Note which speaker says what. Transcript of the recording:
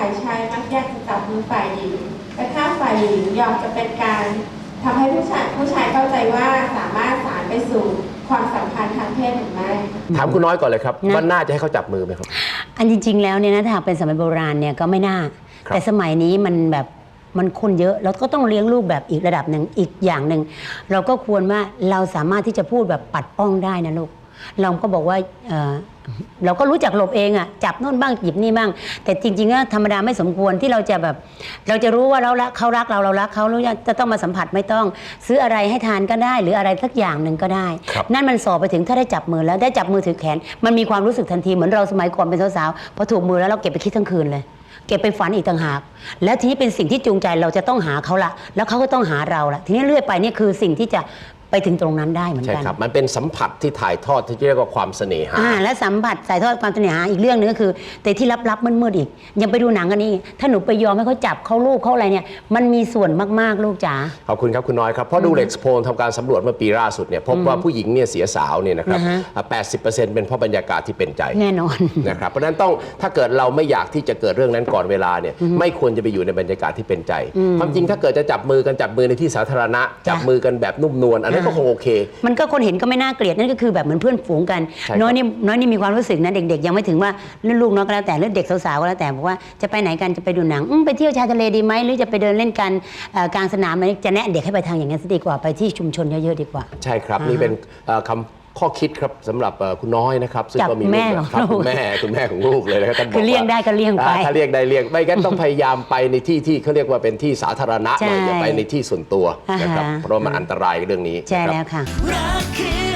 Speaker 1: ายชายมักอยากจะจับมือฝ่ายหญิงแต่ถ้าฝ่ายหญิงยอมจะเป็นการทำให้ผู้ชายเข้าใจว่าสามารถสานไปสู่ความสัมพันธ์ทางเพศหรือไม่
Speaker 2: ถามคุณน้อยก่อนเลยครับว่าน่าจะให้เขาจับมือไหมครับ
Speaker 3: อันจริงๆแล้วเนี่ยนะถ้าหากเป็นสมัยโบราณเนี่ยก็ไม่น่าแต่สมัยนี้มันแบบมันคนเยอะเราก็ต้องเลี้ยงลูกแบบอีกระดับหนึ่งอีกอย่างหนึ่งเราก็ควรว่าเราสามารถที่จะพูดแบบปัดป้องได้นะลูกเราก็บอกว่าเราก็รู้จักหลบเองอ่ะจับโน่นบ้างหยิบนี่บ้างแต่จริงๆก็ธรรมดาไม่สมควรที่เราจะแบบเราจะรู้ว่าเขารักเรารักเขาแล้วจะต้องมาสัมผัสไม่ต้องซื้ออะไรให้ทานก็ได้หรืออะไรสักอย่างหนึ่งก็ได้นั่นมันสอบไปถึงถ้าได้จับมือแล้วได้จับมือถือแขนมันมีความรู้สึกทันทีเหมือนเราสมัยก่อนเป็นสาวๆพอถูกมือแล้วเราเก็บไปคิดทั้งคืนเลยเก็บไปฝันอีกต่างหากแล้วทีนี้เป็นสิ่งที่จูงใจเราจะต้องหาเขาละแล้วเขาก็ต้องหาเราละทีนี้เรื่อยไปนี่คือสิ่งที่จะไปถึงตรงนั้นได้เหมือนกัน
Speaker 2: ใช่ครับมันเป็นสัมผัสที่ถ่ายทอดที่เรียกว่าความเสน่หา
Speaker 3: และสัมผัสถ่ายทอดความเสน่หาอีกเรื่องนึงก็คือแต่ที่ลับๆมืดๆอีกยังไปดูหนังกันนี่ถ้าหนูไปยอมให้เขาจับเขาลูกเขาอะไรเนี่ยมันมีส่วนมากๆลูกจ๋า
Speaker 2: ขอบคุณครับคุณน้อยครับเพราะดูเล็กซ์โพลทำการสำรวจเมื่อปีล่าสุดเนี่ยพบว่าผู้หญิงเนี่ยเสียสาวเนี่ยนะครับ80%เป็นเพราะบรรยากาศที่เป็นใจ
Speaker 3: แน่นอน
Speaker 2: นะครับเพราะนั้นต้องถ้าเกิดเราไม่อยากที่จะเกิดเรื่องนั้นก่อนเวลาเนี่ยไม่ควรจะไปอยู่ในบรรยากาศที่เป็นใจความจริงถ้าเกิดจะจับมือในที่สาธารณะจับมือกันแบบนุ่มนวลอันนั้นก็คงโอเค
Speaker 3: มันก็คนเห็นก็ไม่น่าเกลียดนั่นก็คือแบบเหมือนเพื่อนฝูงกันน้อยนี่มีความรู้สึกนะเด็กๆยังไม่ถึงว่าลูกน้อยก็แล้วแต่เด็กสาวๆก็แล้วแต่บอกว่าจะไปไหนกันจะไปดูหนังไปเที่ยวชายทะเลดีไหมหรือจะไปเดินเล่นกันกลางสนามอะไรจะแนะเด็กให้ไปทางอย่างนั้นซะดีกว่าไปที่ชุมชนเยอะๆดีกว่า
Speaker 2: ใช่ครับนี่เป็นคำข้อคิดครับสำหรับคุณน้อยนะครับ
Speaker 3: ซึ่งก็มีแม่ของ
Speaker 2: คุณแม่ของลูกเลยนะครับ
Speaker 3: คือเลี่ยงได้ก็เลี่ยงไป
Speaker 2: ถ้าเลี่ยงได้เลี่ยงไม่งั้นต้องพยายามไปในที่ที่เขาเรียกว่าเป็นที่สาธารณะหน่อยอย่าไปในที่ส่วนตัวนะครับเพราะมันอันตรายเรื่องนี้
Speaker 3: ใช่แล้วค่ะ